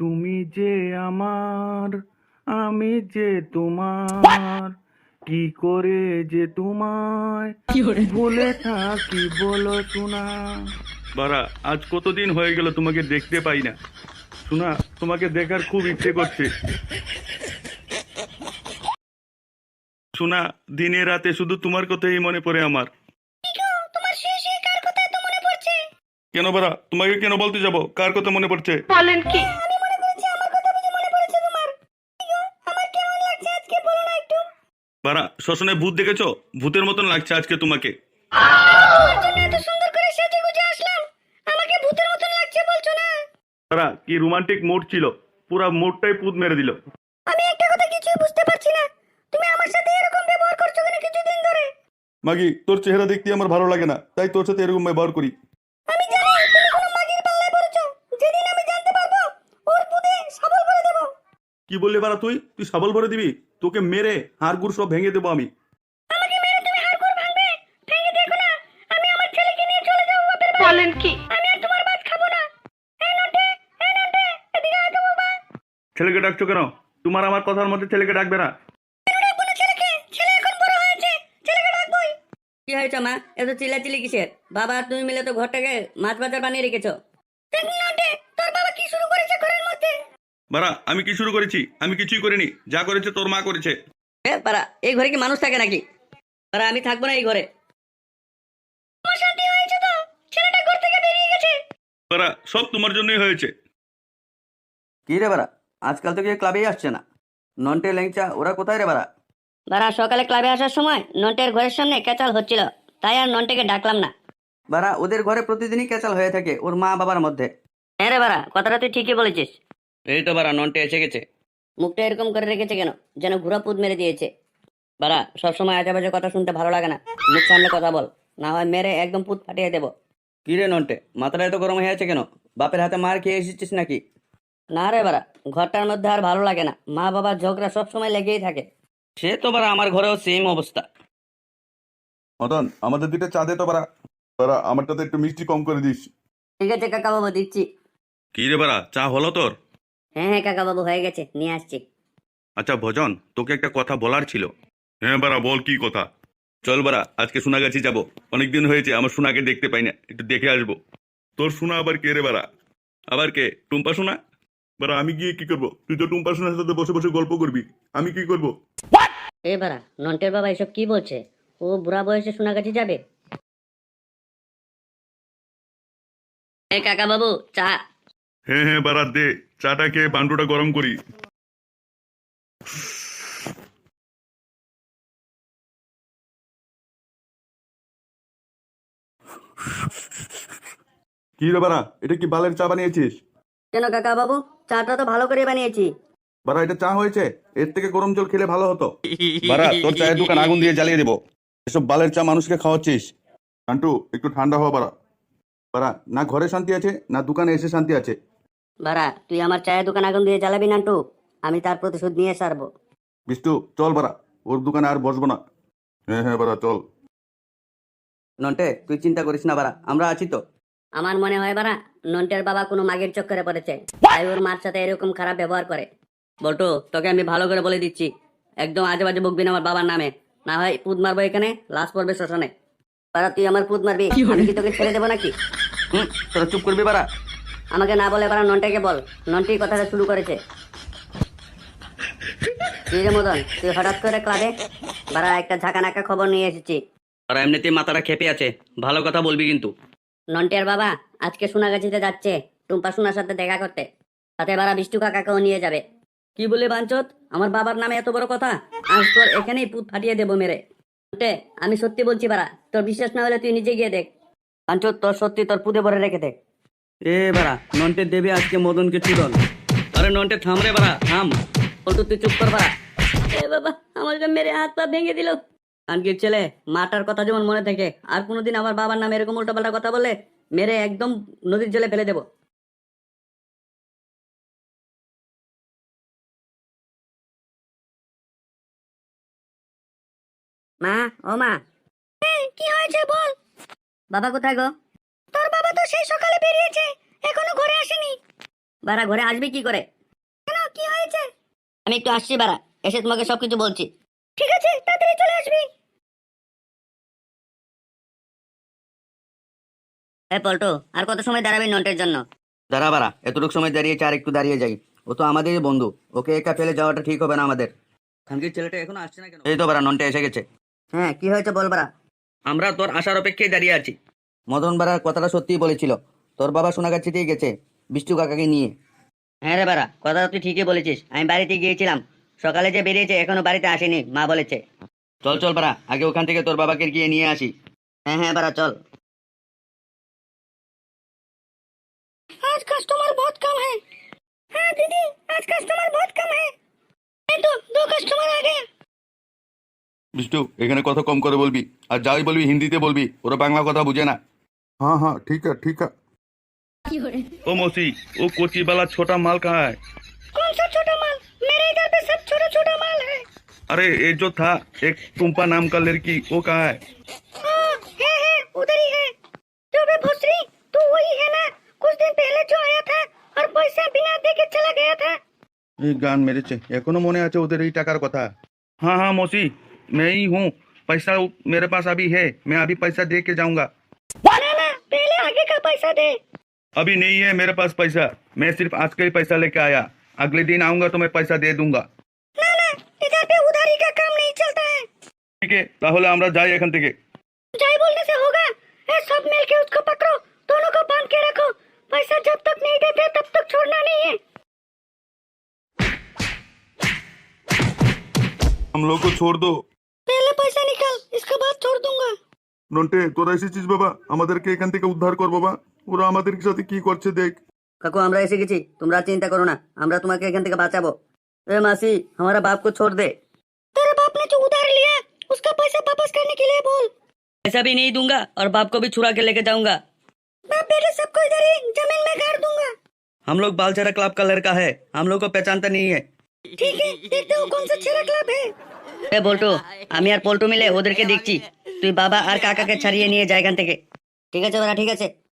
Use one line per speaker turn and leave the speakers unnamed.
তুমি যে আমার, আমি যে তোমার, কি করে যে তোমায় ভুলে থাকি বলো শোনা। বারা, আজ কতদিন হয়ে গেল তোমাকে দেখতে পাই না। শোনা, তোমাকে দেখার খুব ইচ্ছে করছে। শোনা, দিনে রাতে শুধু তোমার কথাই মনে পড়ে আমার।
তোমার শুয়ে শুয়ে কার কথা এত মনে পড়ছে?
কেন বারা, তোমাকে কেন বলতে যাব কার কথা মনে পড়ছে?
বলেন কি? আমি মনে করেছি আমার কথা বুঝে মনে পড়েছে তোমার। কি গো, আমার কেমন লাগছে আজকে বলো না একটু?
বারা, শ্মশানে ভূত দেখেছো? ভূতের মতন লাগছে আজকে তোমাকে।
তোমার জন্য এত সুন্দর করে সেজে গুজে আসলাম, আমাকে ভূতের মতন লাগছে বলছো না?
বারা, কি রোমান্টিক মুড ছিল, পুরা মুডটাই পুত মেরে দিল।
আমি একটা কথা কিছুই বুঝতে পারছি না, তুমি আমার সাথে এরকম ব্যবহার করছো কেন কিছুদিন ধরে?
মাগি, তোর চেহারা দেখতে আমার ভালো লাগে না, তাই তোর সাথে এরকম ব্যবহার করি।
আমি জানি তুমি কোনো মাগির পাল্লায় পড়েছো। যেদিন আমি জানতে পারবো ওর পুঁতে সবল করে দেবো।
কি বললি বারা, তুই তুই সাবল ভরে দিবি? তোকে মেরে হাড় গুড় সব ভেঙে দেবো আমি।
আমাকে মেরে তুমি হাড়গোড় ভাঙবে? ভেঙে দেখো না, আমি আমার ছেলেকে নিয়ে চলে যাবো বাপের বাড়ি। বলেন কি? আমি আর তোমার ভাত খাবো না। এই নন্টে, এই নন্টে, এদিকে আয় তো বাবা।
ছেলেকে ডাকছো কেন? তোমার আমার কথার মধ্যে ছেলেকে ডাকবে না।
কেন ডাকবো না ছেলেকে? ছেলে এখন বড় হয়েছে, ছেলেকে ডাকবোই। কি হয়েছে মা, এত চিল্লাচিল্লি কিসের? বাবা আর তুমি মিলে তো ঘরটাকে মাছ বাজার বানিয়ে রেখেছো। দেখুন নন্টে, তোর বাবা কি শুরু করেছে ঘরের মধ্যে?
বারা, আমি কি শুরু করেছি? আমি কিছুই করিনি, যা করেছে তোর মা করেছে।
পারা, এই ঘরে কি মানুষ থাকে নাকি? পারা, আমি থাকবো না এই ঘরে। আমার শান্তি হয়েছে তো, ছেলেটা ঘর থেকে বেরিয়ে গেছে।
বারা, সব তোমার জন্যই হয়েছে।
কি রে বাড়া, আজকাল তো কেউ ক্লাবেই আসছে না। নন্টে ল্যাংচা ওরা কোথায় রে বাড়া?
বারা, সকালে ক্লাবে আসার সময় নন্টের ঘরের সামনে ক্যাচাল হচ্ছিল, তাই আর নন্টেকে ডাকলাম না।
বাড়া, ওদের ঘরে প্রতিদিনই ক্যাচাল হয়ে থাকে ওর মা বাবার মধ্যে।
হ্যাঁ রে বারা, কথাটা তুই ঠিকই বলেছিস।
এই তো বাড়া, নন্টে এসে গেছে।
মুখটা এরকম করে রেখেছে কেন, যেন ঘুরা পুত মেরে দিয়েছে। বারা, সবসময় আজে বাজে কথা শুনতে ভালো লাগে না, মুখ সামনে কথা বল, না হয় মেরে একদম পুত ফাটিয়ে দেবো।
কি রে নন্টে, মাথাটা এত গরম হয়ে আছে কেন? বাপের হাতে মার খেয়ে এসেছিস নাকি?
না রে বারা, ঘরটার মধ্যে আর ভালো লাগে না, মা বাবার ঝগড়া সবসময় লেগেই থাকে।
সে তো বাড়া আমার ঘরেও সেম অবস্থা।
মদন, আমাদের দিকে চা দে তো বারা। বারা, আমারটাতে একটু মিষ্টি কম করে দিস।
ঠিক আছে কাকা বাবু, দিচ্ছি।
কি রে বারা, চা হলো তোর?
হ্যাঁ হ্যাঁ কাকা বাবু, হয়ে গেছে, নিয়ে আসছি।
আচ্ছা ভজন, তোকে একটা কথা বলার ছিল। হ্যাঁ বারা, বল কি কথা? চল বারা, আজকে সোনাগাছি যাব। অনেকদিন হয়েছে আমার সোনাকে দেখতে পাই না, একটু দেখে আসবো। তোর সোনা আবার কে রে বারা? আবার কে? টুম্পা সোনা? বারা, আমি গিয়ে কি করবো? তুই তো টুম্পা সোনার সাথে বসে বসে গল্প করবি, আমি কি করব?
এ বারা, নন্টের বাবা এসব কি বলছে? ও বুড়া বয়সে সোনাগাছি যাবে? এ কাকা বাবু, চা।
হ্যাঁ হ্যাঁ বারা, দে। চাটা খেয়ে বান্ডুটা গরম করি। কি রে বারা, এটা কি বালের চা বানিয়েছিস?
কেন কাকা বাবু, চাটা তো ভালো করে বানিয়েছি।
বারা, এটা চা হয়েছে? এর থেকে গরম জল খেলে ভালো হতো। বারা, তোর চায়ের দোকান আগুন দিয়ে জ্বালিয়ে দেবো। এসব বালের চা মানুষকে খাওয়াচ্ছিস। আন্টু, একটু ঠান্ডা হওয়া বারা। বারা, না ঘরে শান্তি আছে না দোকানে এসে শান্তি আছে।
বারা, তুই আমার চায়ের দোকান আগুন দিয়ে জ্বালাবি নান্টু, আমি তার প্রতিশোধ নিয়ে সারবো।
বিষ্টু, চল বারা, ওর দোকানে আর বসবো না। হ্যাঁ হ্যাঁ বারা, চল।
নন্টে, তুই চিন্তা করিস না বাড়া, আমরা আছি তো।
আমার মনে হয় বারা, নন্টের বাবা কোনো মাগের চক্করে পড়েছে, তাই ওর মার সাথে এরকম খারাপ ব্যবহার করে। বল্টু, তোকে আমি ভালো করে বলে দিচ্ছি, একদম আজে বাজে বকবি না আমার বাবার নামে, না হয় পুত মারবো এখানে, লাশ পড়বে শ্মশানে। বারা, তুই আমার পুত মারবি, আমি কি তোকে ছেড়ে দেবো নাকি?
তোরা চুপ করবি বাড়া।
আমাকে না বলে বারা নন্টাকে বল, নন্টি কথাটা শুরু করেছে। কি রে মদন, তুই হঠাৎ করে ক্লাবে? বারা, একটা ঝাঁকানাকা খবর নিয়ে এসেছি।
আর এমনিতেই মাথাটা খেপে আছে, ভালো কথা বলবি কিন্তু।
নন্টের বাবা আজকে সোনাগাছিতে যাচ্ছে টুম্পা সোনার সাথে দেখা করতে, সাথে বারা বিষ্টু কাকাকেও নিয়ে যাবে। কি বলে বাঞ্চত, আমার বাবার নামে এত বড় কথা? আজ তোর এখানেই পুত ফাটিয়ে দেবো মেরে। নন্টে, আমি সত্যি বলছি বারা, তোর বিশ্বাস না হলে তুই নিজে গিয়ে দেখ। বাঞ্চত, তোর সত্যি তোর পুঁতে ভরে রেখে দেখ।
এ বাড়া, নন্টে দেবে আজকে মদনকে চুদন। আরে নন্টে থাম রে বাড়া, থাম।
বল্টু, তুই চুপ কর বারা। এ বাবা, আমাকে মেরে হাত পা ভেঙে দিল। কানকির ছেলে, মাটার কথা যেমন মনে থাকে, আর কোনোদিন আমার বাবার নামে এরকম উল্টোপাল্টা কথা বললে মেরে একদম নদীর জলে ফেলে দেবো। মা, ও মা। কি হয়েছে বল। বাবা কোথায় গো? তোর বাবা তো সেই সকালে বেরিয়েছে, এখনো ঘরে আসেনি। বারা ঘরে আসবি কি করে? কেন, কি হয়েছে? আমি একটু আসছি বারা, এসে তোমাকে সবকিছু বলছি। ঠিক আছে, তাড়াতাড়ি চলে আসবি। পল্টু, আর কত সময় দাঁড়াবি নন্টের জন্য?
দাঁড়া বাড়া, এতটুকু সময় দাঁড়িয়েছে, আর একটু দাঁড়িয়ে যাই। ও তো আমাদেরই বন্ধু, ওকে একা ফেলে যাওয়াটা ঠিক হবে না আমাদের। খানকির ছেলেটা এখনো আসছে না কেন? এই তো বাড়া, নন্টে এসে গেছে।
হ্যাঁ, কি হয়েছে বল বারা।
আমরা তোর আসার অপেক্ষায় দাঁড়িয়ে আছি। মদন বাড়ার কথাটা সত্যিই বলেছিল, তোর বাবা সোনাগাছিতেই গেছে বিষ্টু কাকাকে নিয়ে।
হ্যাঁ রে বারা, কথা তুই ঠিকই বলেছিস। আমি বাড়িতে গিয়েছিলাম, সকালে যে বেরিয়েছে এখনো বাড়িতে আসেনি, মা বলেছে।
চল চল বাড়া, আগে ওখান থেকে তোর বাবাকে গিয়ে নিয়ে আসি।
হ্যাঁ হ্যাঁ বারা, চল। आज कस्टमर बहुत कम है। हाँ दीदी, आज कस्टमर बहुत कम है। ये तो 2 कस्टमर आ गए।
বিষ্টু, এখানে কথা কম করে বলবি, আর যাই বলবি হিন্দিতে বলবি, ওরা বাংলা কথা বুঝে না। हाँ हाँ ठीक है ठीक है। ओ मौसी, वो कोची वाला छोटा माल कहाँ है?
कौन सा छोटा माल? मेरे इधर पे सब छोटा छोटा माल है।
अरे ये जो था एक टुम्पा नाम का लड़की, वो कहाँ है?
हाँ, है उधर ही है। जो बे भोसरी, तू वही है ना, कुछ दिन पहले जो आया था और पैसा बिना दे के चला गया था।
এই গান মেরেছে, এখনো মনে আছে ওদের এই টাকার কথা। हाँ हाँ मौसी, मैं ही हूँ। पैसा मेरे पास अभी है, मैं अभी पैसा दे के जाऊंगा।
ना ना, पहले आगे का पैसा दे।
अभी नहीं है मेरे पास पैसा, मैं सिर्फ आज का ही पैसा लेके आया। अगले दिन आऊंगा तो मैं पैसा दे दूंगा।
ना ना, इधर पे उधारी का काम नहीं चलता है।
ठीक है, তাহলে আমরা যাই এখান থেকে।
जाई बोलने से होगा। सब मिल के उसको पकड़ो, दोनों को बांध के रखो। पैसा जब तक नहीं देते तब तक छोड़ना नहीं है।
हम लोग को छोड़ दो।
पहले पैसा निकाल, इसके बाद छोड़ दूंगा।
নন্টে, তোরা এসেছিস বাবা, আমাদেরকে এখান থেকে উদ্ধার কর বাবা। ওরা আমাদের সাথে কি করছে দেখ।
কাকু, আমরা এসে গেছি, তোমরা চিন্তা করো না, আমরা তোমাকে এখান থেকে বাঁচাবো। এ মাসি, हमारा बाप को छोड़ दे।
तेरे बाप ने जो उधार लिया, उसका पैसा वापस करने के लिए बोल।
पैसा भी नहीं दूंगा और बाप को भी छुड़ा के लेके जाऊंगा।
बाप बेटे सबको इधर ही जमीन में गाड़ दूंगा।
हम लोग बालचरा क्लब का लड़का है, हम लोग को पहचानता नहीं है।
ठीक है, देखते हो कौन सा छेरा क्लब है।
এ বল্টু, আমি আর পল্টু মিলে ওদেরকে দেখছি, তুই বাবা আর কাকাকে ছাড়িয়ে নিয়ে যা এখান থেকে।
ঠিক আছে বাবা, ঠিক আছে।